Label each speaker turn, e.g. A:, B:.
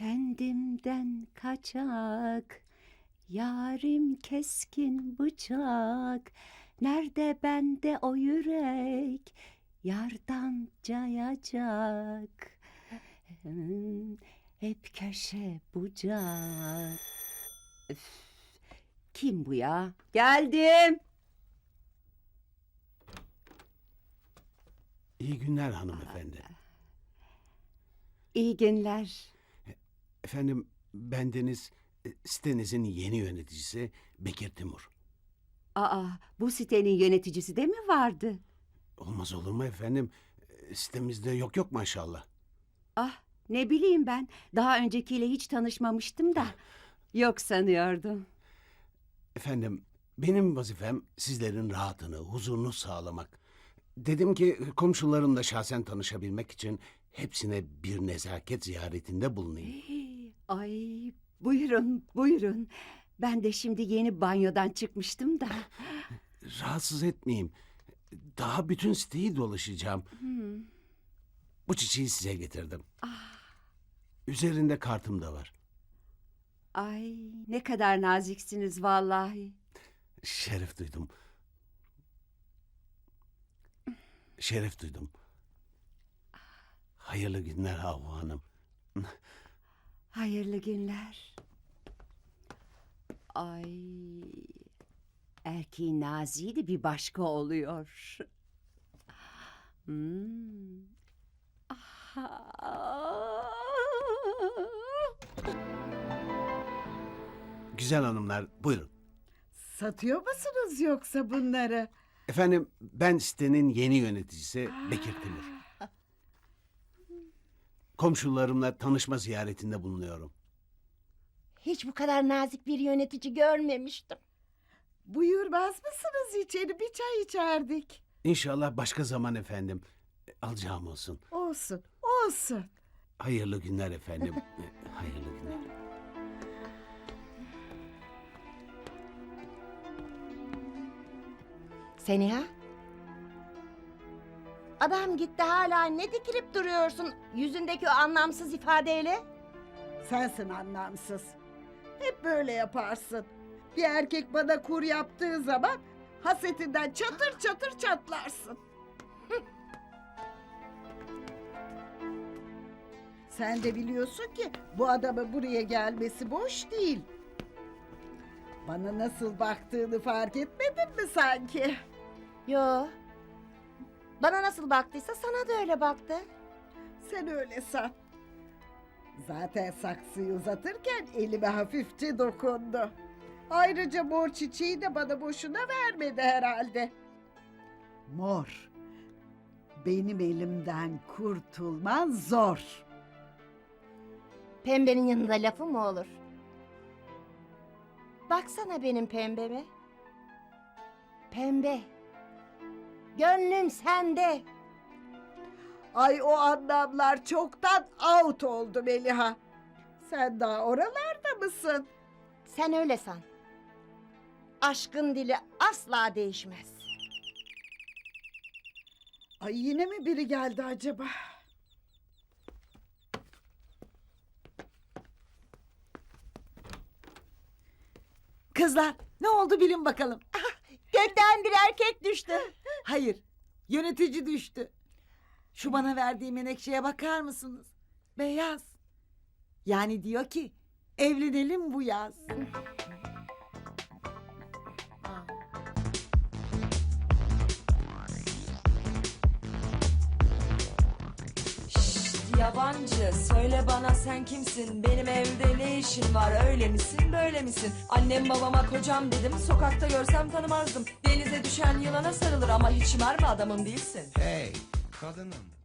A: Kendimden kaçak, yarim keskin bıçak. Nerede bende o yürek, yardan cayacak. Hep köşe bucak. Üf, kim bu ya? Geldim.
B: İyi günler hanımefendi.
A: İyi günler.
B: Efendim, bendeniz sitenizin yeni yöneticisi Bekir Timur.
A: Aa, bu sitenin yöneticisi de mi vardı?
B: Olmaz olur mu efendim? Sitemizde yok maşallah.
A: Ah, ne bileyim ben. Daha öncekiyle hiç tanışmamıştım da. Yok sanıyordum.
B: Efendim, benim vazifem sizlerin rahatını, huzurunu sağlamak. Dedim ki komşularımla şahsen tanışabilmek için hepsine bir nezaket ziyaretinde bulunayım.
A: Ay, buyurun, buyurun. Ben de şimdi yeni banyodan çıkmıştım da.
B: Rahatsız etmeyeyim. Daha bütün siteyi dolaşacağım. Bu çiçeği size getirdim. Üzerinde kartım da var.
A: Ay, ne kadar naziksiniz vallahi.
B: Şeref duydum. Şeref duydum. Hayırlı günler Havva Hanım.
A: Hayırlı günler. Ay, erkeğin naziği de bir başka oluyor.
B: Güzel hanımlar, buyurun.
C: Satıyor musunuz yoksa bunları?
B: Efendim, ben sitenin yeni yöneticisi Bekir Timur. Komşularımla tanışma ziyaretinde bulunuyorum.
D: Hiç bu kadar nazik bir yönetici görmemiştim.
C: Buyurmaz mısınız içeri, bir çay içerdik.
B: İnşallah başka zaman efendim. Alacağım olsun.
C: Olsun, olsun.
B: Hayırlı günler efendim. Hayırlı günler.
D: Seniha? Adam gitti, hala ne dikilip duruyorsun yüzündeki o anlamsız ifadeyle?
C: Sensin anlamsız. Hep böyle yaparsın. Bir erkek bana kur yaptığı zaman hasetinden çatır çatır çatlarsın. Sen de biliyorsun ki bu adamın buraya gelmesi boş değil. Bana nasıl baktığını fark etmedin mi sanki?
D: Yo. Bana nasıl baktıysa sana da öyle baktı.
C: Sen öyle san. Zaten saksıyı uzatırken elime hafifçe dokundu. Ayrıca mor çiçeği de bana boşuna vermedi herhalde. Mor. Benim elimden kurtulman zor.
D: Pembenin yanında lafı mı olur? Baksana benim pembeme. Pembe. Gönlüm sende.
C: Ay, o anlamlar çoktan out oldu Meliha. Sen daha oralarda mısın?
D: Sen öyle san. Aşkın dili asla değişmez.
C: Ay, yine mi biri geldi acaba?
E: Kızlar, ne oldu bilin bakalım.
D: Gökten bir erkek düştü.
E: Hayır, yönetici düştü. Şu bana verdiği menekşeye bakar mısınız? Beyaz. Yani diyor ki, evlenelim bu yaz.
F: Yabancı, söyle bana sen kimsin? Benim evde ne işin var? Öyle misin, böyle misin? Annem babama kocam dedim, sokakta görsem tanımazdım. Denize düşen yılana sarılır ama hiç mermi adamım değilsin.
G: Hey kadınım,